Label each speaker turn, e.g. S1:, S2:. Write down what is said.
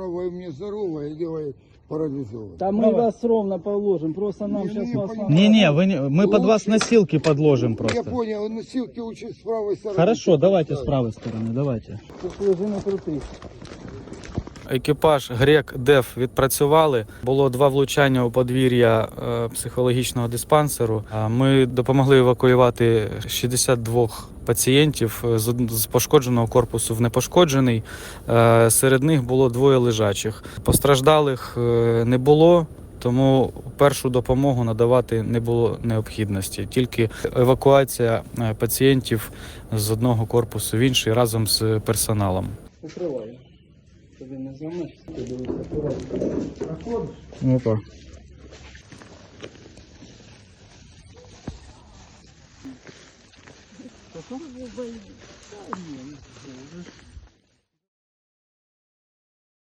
S1: вы мне здоровое, делай парализован.
S2: Да мы вас ровно положим, просто нам
S1: Не,
S2: сейчас
S1: не,
S2: вас...
S1: понятно.
S3: Не-не, мы под вас носилки подложим
S1: Я
S3: просто.
S1: понял, носилки лучше с правой стороны.
S3: Хорошо, давайте с правой стороны, давайте.
S2: Тут лежи на крутых.
S3: Екіпаж Грек ДЕФ відпрацювали. Було 2 влучання у подвір'я психологічного диспансеру. Ми допомогли евакуювати 62 пацієнтів з пошкодженого корпусу в непошкоджений. Серед них було 2 лежачих. Постраждалих не було, тому першу допомогу надавати не було необхідності. Тільки евакуація пацієнтів з одного корпусу в інший разом з персоналом.
S2: Укриваю. Тобі не зламеш, ти дивись акуратно. Проходиш?
S3: Опа.